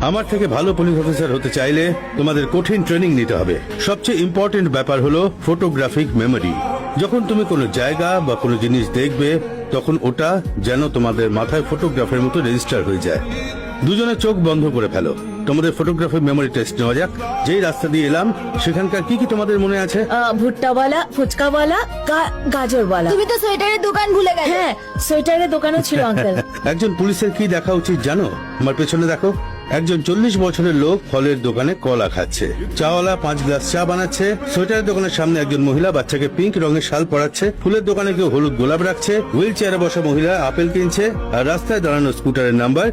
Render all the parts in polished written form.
আমার থেকে ভালো পুলিশ অফিসার হতে চাইলে তোমাদের কঠিন ট্রেনিং নিতে হবে। সবচেয়ে ইম্পর্টেন্ট ব্যাপার হলো ফটোগ্রাফিক মেমোরি। যখন তুমি কোনো জায়গা বা কোনো জিনিস দেখবে তখন ওটা যেন তোমাদের মাথায় ফটোগ্রাফের মতো রেজিস্টার হয়ে যায়। দুজনে চোখ বন্ধ করে ফেলো, তোমাদের ফটোগ্রাফি মেমোরি টেস্ট নেওয়া যাক। যেই রাস্তা দিয়ে এলাম সেখানকার কি কি তোমাদের মনে আছে? ভুট্টাওয়ালা, ফুচকাওয়ালা, গাজরওয়ালা। তুমি তো সোয়েটারের দোকান ভুলে গেলে। হ্যাঁ, সোয়েটারের দোকানও ছিল আঙ্কেল। একজন পুলিশের কি দেখা উচিত জানো? আমার পেছনে দেখো, একজন 40 বছরের লোক ফলের দোকানে কলা খাচ্ছে। চাওয়ালা 5 গ্লাস চা বানাচ্ছে। সোয়েটারের দোকানের সামনে একজন মহিলা বাচ্চাকে পিঙ্ক রঙের শাল পরাচ্ছে। ফুলের দোকানে কেউ হলুদ গোলাপ রাখছে। হুইল চেয়ারে বসা মহিলা আপেল কিনছে। আর রাস্তায় দাঁড়ানো স্কুটারের নাম্বার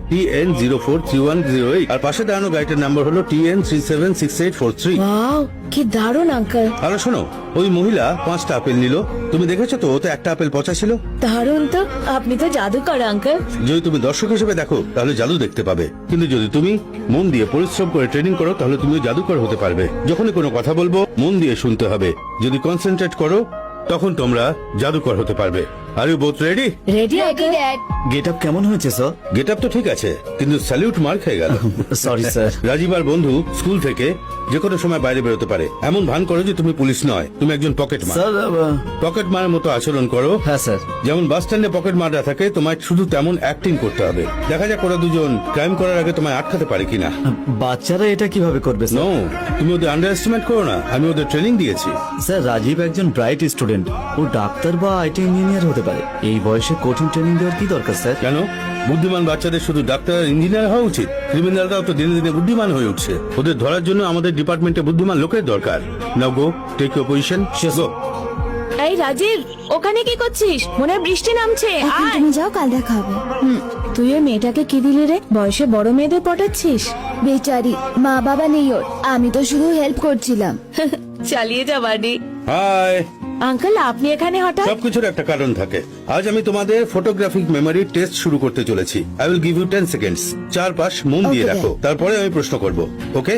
TN043108 আর পাশে দাঁড়ানো গাড়িটার নাম্বার হলো TN376843। ওয়াও, কি দারুণ আঙ্কেল। আর শোনো, ওই মহিলা 5টা আপেল নিল। তুমি দেখেছো তো, ওতে একটা আপেল পচা ছিল। দারুণ তো, আপনি তো জাদুকর আঙ্কেল। যদি তুমি দর্শক হিসেবে দেখো তাহলে জাদু দেখতে পাবে, কিন্তু যদি তুমি মন দিয়ে পরিশ্রম করে ট্রেনিং করো তাহলে তুমিও জাদুকর হতে পারবে। যখনই কোনো কথা বলবো মন দিয়ে শুনতে হবে। যদি কনসেন্ট্রেট করো তখন তোমরা জাদুকর হতে পারবে। Are you both ready? Ready uncle. Get up কেমন হয়েছে স্যার? গেট আপ তো ঠিক আছে, কিন্তু স্যালিউট মার খেয়ে গেল। Sorry sir. রাজীব আর বন্ধু স্কুল থেকে যে কোনো সময় বাইরে বেরোতে পারে। এমন ভান করো যে তুমি পুলিশ নয়, তুমি একজন পকেট মার। স্যার পকেট মারের মতো আচরণ করো। হ্যাঁ স্যার। যেমন বাস স্ট্যান্ডে পকেট মাররা থাকে, তোমায় শুধু তেমন অ্যাক্টিং করতে হবে। দেখা যাক ওরা দুজন ক্রাইম করার আগে তোমায় আটকাতে পারে কিনা। বাচ্চারা এটা কিভাবে করবে নো, স্যার? তুমি ওদের আন্ডার এস্টিমেট করো না। আমি ওদের ট্রেনিং দিয়েছি। স্যার, রাজীব একজন ব্রাইট স্টুডেন্ট। ও ডাক্তার বা আইটি ইঞ্জিনিয়ার হতে পারে। এই বয়সে কঠিন ট্রেনিং দেওয়ার কি দরকার স্যার? কেন? বুদ্ধিমান বাচ্চাদের শুধু ডাক্তার আর ইঞ্জিনিয়ার হওয়া উচিত? ক্রিমিনালরাও তো দিনে দিনে বুদ্ধিমান হয়ে উঠছে। ওদের ধরার জন্য আমাদের ডিপার্টমেন্টে বুদ্ধিমান লোকের দরকার। Now go, take your position. Go. এই রাজীব, ওখানে কি করছিস? মনে হয় বৃষ্টি নামছে। এখন আয়। তুমি যাও, কাল দেখা হবে। তুই ওই মেয়েটাকে কি দিলি রে? বয়সে বড় মেয়েদের পটাচ্ছিস? বেচারি, মা বাবা নেই ওর, আমি তো শুধু হেল্প করছিলাম। চালিয়ে যা বাড়ি। হাই। আঙ্কেল, আপনি এখানে হঠাৎ? সবকিছুর একটা কারণ থাকে। আজ আমি তোমাদের ফটোগ্রাফিক মেমোরি টেস্ট শুরু করতে চলেছি। I will give you 10 seconds. চারপাশ মন দিয়ে Okay, রাখো, তারপরে আমি প্রশ্ন করব। Okay,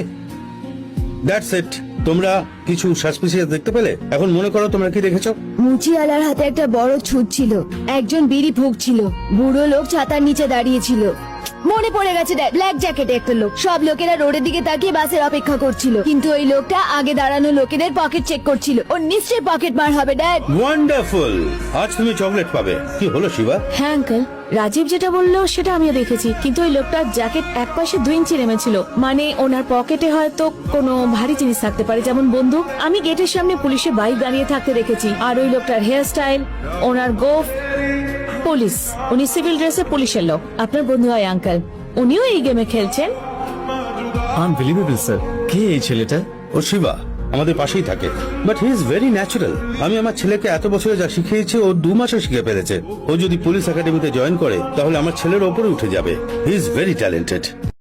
that's it. তোমরা কিছু সাসপিসিয়াস দেখতে পেলে? এখন মনে করো তোমরা কি দেখেছো? মুচিওয়ালার হাতে একটা বড় ছুট ছিল। একজন বিড়ি ফুঁকছিল। বুড়ো লোক ছাতার নিচে দাঁড়িয়ে ছিল। মনে পড়ে গেছে ড্যাড, ব্ল্যাক জ্যাকেটে একটা লোক। সব লোকেরা রোডের দিকে তাকিয়ে বাসের অপেক্ষা করছিল, কিন্তু ওই লোকটা আগে দাঁড়ানো লোকেদের পকেট চেক করছিল। ওর নিশ্চয়ই পকেট মার হবে ড্যাড। ওয়ান্ডারফুল, আজ তুমি চকলেট পাবে। কি হলো শিবা? হ্যাঁ আঙ্কেল, রাজীব যেটা বললো সেটা আমিও দেখেছি, কিন্তু ওই লোকটার জ্যাকেট এক পাশে 2 ইঞ্চি নেমেছিল। মানে ওনার পকেটে হয়তো কোনো ভারী জিনিস থাকতে পারে, যেমন বন্দুক। আমি গেটের সামনে পুলিশের বাইক দাঁড়িয়ে থাকতে দেখেছি। আর ওই লোকটার হেয়ার স্টাইল, ওনার গোফ, পুলিশ। উনি সিভিল ড্রেসে পুলিশের লোক। আপনার বন্ধু হয় আঙ্কেল, উনিও এই গেমে খেলছেন। Unbelievable sir. কে এই ছেলেটা? ও শিবা আমাদের পাশেই থাকে, but he is very natural. আমি আমার ছেলেকে এত বছরে যা শিখিয়েছি ও 2 মাসে শিখে ফেলেছে। ও যদি পুলিশ একাডেমিতে জয়েন করে তাহলে আমার ছেলের ওপরে উঠে যাবে। He is very talented.